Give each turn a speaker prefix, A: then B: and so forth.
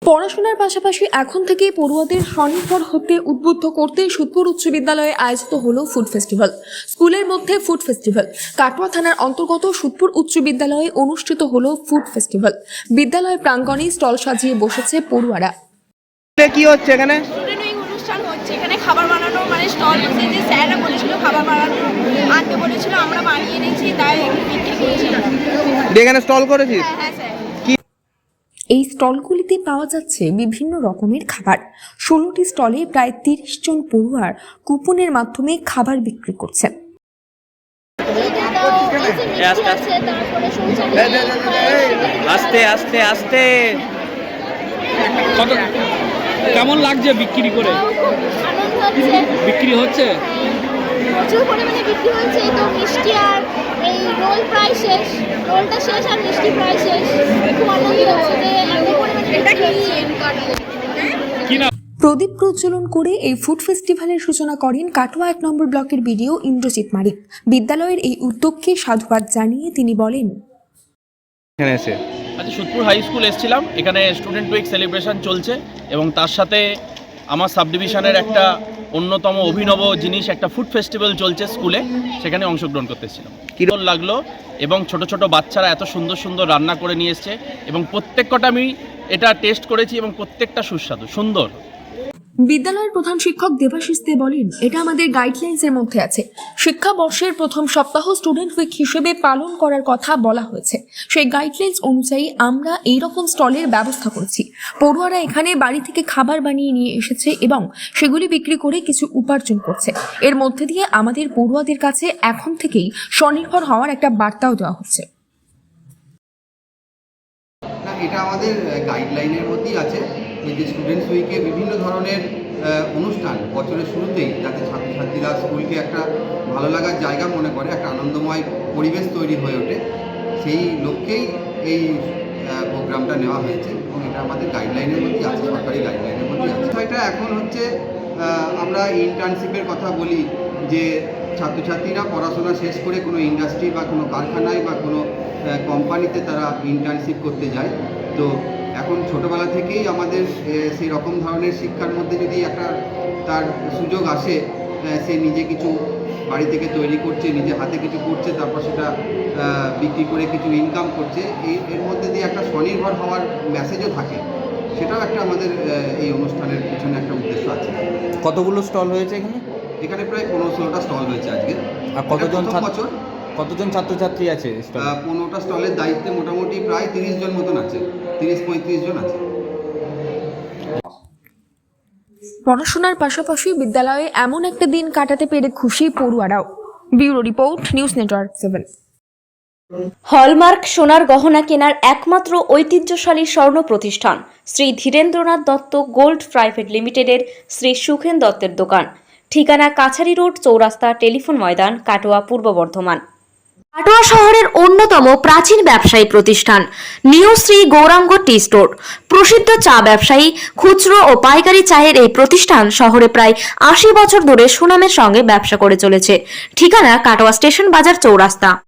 A: পড়াশোনার পাশাপাশি এখন থেকে পড়ুয়াদের স্বনির্ভর হতে উদ্বুদ্ধ করতে সুদপুর উচ্চ বিদ্যালয়ে আয়োজিত হলো ফুড ফেস্টিভ্যাল। স্কুলের মধ্যে ফুড ফেস্টিভ্যাল। কাটোয়া থানার অন্তর্গত সুদপুর উচ্চ বিদ্যালয়ে অনুষ্ঠিত হলো ফুড ফেস্টিভ্যাল। বিদ্যালয়ের প্রাঙ্গণে স্টল সাজিয়ে বসেছে পড়ুয়ারা।
B: কি হচ্ছে এখানে?
C: অনুষ্ঠান হচ্ছে, এখানে খাবার বানানো মানে স্টল বসে, যে স্যাররা বলেছিল খাবার বানানো আনতে বলেছিল, আমরা বানিয়ে নিয়েছি, তাই বিক্রি করছি।
B: এখানে স্টল করেছিস?
C: হ্যাঁ স্যার।
A: এই স্টলগুলিতে পাওয়া যাচ্ছে বিভিন্ন রকমের খাবার। 16টি স্টলে প্রায় 30 জন পড়ুয়ার কুপনের মাধ্যমে খাবার বিক্রি করছেন।
B: আস্তে আস্তে আস্তে। কেমন লাগছে বিক্রি করে? বিক্রি হচ্ছে,
D: প্রচুর পরিমাণে বিক্রি হচ্ছে। তো মিষ্টি আর এই রোল প্রায় শেষ, রোলটা শেষ আর মিষ্টি প্রায় শেষ। খুব আনন্দ হচ্ছে যে এত পরিমাণে
A: প্রদীপ প্রজ্বলন করে এই ফুড ফেস্টিভ্যালের সূচনা করেন কাটোয়া 1 নম্বর ব্লকের বিডিও ইন্দ্রজিৎ মারিক। বিদ্যালয়ের এই উদ্যোগকে সাধুবাদ জানিয়ে তিনি বলেন,
B: এখানে এসে
E: আজ সুদপুর হাই স্কুল এসেছিলাম, এখানে স্টুডেন্ট উইক সেলিব্রেশন চলছে এবং তার সাথে আমার সাব ডিভিশনের একটা অন্যতম অভিনব জিনিস, একটা ফুড ফেস্টিভ্যাল চলছে স্কুলে, সেখানে অংশগ্রহণ করতে এসেছিলাম। কী ভালো লাগলো, এবং ছোট ছোট বাচ্চারা এত সুন্দর সুন্দর রান্না করে নিয়ে এসছে এবং প্রত্যেকটা আমি এটা টেস্ট করেছি এবং প্রত্যেকটা সুস্বাদু সুন্দর।
A: বিদ্যালয়ের প্রধান শিক্ষক দেবাশিস দে বলেন, এটা আমাদের গাইডলাইন্সের মধ্যে আছে। শিক্ষাবর্ষের প্রথম সপ্তাহ স্টুডেন্ট উইক হিসেবে পালন করার কথা বলা হয়েছে। সেই গাইডলাইন্স অনুযায়ী আমরা এই রকম স্টলের ব্যবস্থা করেছি। পড়ুয়ারা এখানে বাড়ি থেকে খাবার বানিয়ে নিয়ে এসেছে এবং সেগুলি বিক্রি করে কিছু উপার্জন করছে। এর মধ্যে দিয়ে আমাদের পড়ুয়াদের কাছে এখন থেকেই স্বনির্ভর হওয়ার একটা বার্তাও দেওয়া হচ্ছে।
F: না, এটা আমাদের গাইডলাইনের মধ্যেই আছে যে স্টুডেন্টস উইকে বিভিন্ন ধরনের অনুষ্ঠান বছরের শুরুতেই যাতে ছাত্রছাত্রীরা স্কুলকে একটা ভালো লাগার জায়গা মনে করে, একটা আনন্দময় পরিবেশ তৈরি হয়ে ওঠে, সেই লক্ষ্যেই এই প্রোগ্রামটা নেওয়া হয়েছে এবং এটা আমাদের গাইডলাইনের মধ্যেই আছে, সরকারি গাইডলাইনের মধ্যেই আছে। এটা এখন হচ্ছে আমরা ইন্টার্নশিপের কথা বলি যে ছাত্রছাত্রীরা পড়াশোনা শেষ করে কোনো ইন্ডাস্ট্রি বা কোনো কারখানায় বা কোনো কোম্পানিতে তারা ইন্টার্নশিপ করতে যায়। তো এখন ছোটোবেলা থেকেই আমাদের সেই রকম ধরনের শিক্ষার মধ্যে যদি একটা তার সুযোগ আসে, সে নিজে কিছু বাড়ি থেকে তৈরি করছে, নিজে হাতে কিছু করছে, তারপর সেটা বিক্রি করে কিছু ইনকাম করছে, এর মধ্যে দিয়ে একটা স্বনির্ভর হওয়ার মেসেজও থাকে। সেটাও একটা আমাদের এই অনুষ্ঠানের পিছনে একটা উদ্দেশ্য আছে।
B: কতগুলো স্টল হয়েছে এখানে?
F: এখানে প্রায় 15-16টা স্টল হয়েছে আজকে।
B: আর কতজন ছাত্রছাত্রী আছে?
F: 15টা স্টলের দায়িত্বে মোটামুটি প্রায় 30 জন মতন আছে, 30-35 জন আছে।
A: পড়াশোনার পাশাপাশি বিদ্যালয়ে এমন একটা দিন কাটাতে পেরে খুশি পড়ুয়ারাও। Bureau report, news network 7।
G: Hallmark সোনার গহনা কেনার একমাত্র ঐতিহ্যশালী স্বর্ণ প্রতিষ্ঠান শ্রী ধীরেন্দ্রনাথ দত্ত গোল্ড প্রাইভেট লিমিটেডের শ্রী সুখেন দত্তের দোকান। ঠিকানা কাছারি রোড, চৌরাস্তা, টেলিফোন ময়দান, কাটোয়া, পূর্ব বর্ধমান। কাটোয়া শহরের অন্যতম প্রাচীন ব্যবসায়ী প্রতিষ্ঠান new Shri Gouranga tea store. প্রসিদ্ধ চা ব্যবসায়ী, খুচরো ও পাইকারি চায়ের এই প্রতিষ্ঠান শহরে প্রায় 80 বছর ধরে সুনামের সঙ্গে ব্যবসা করে চলেছে। ঠিকানা কাটোয়া স্টেশন বাজার, চৌরাস্তা।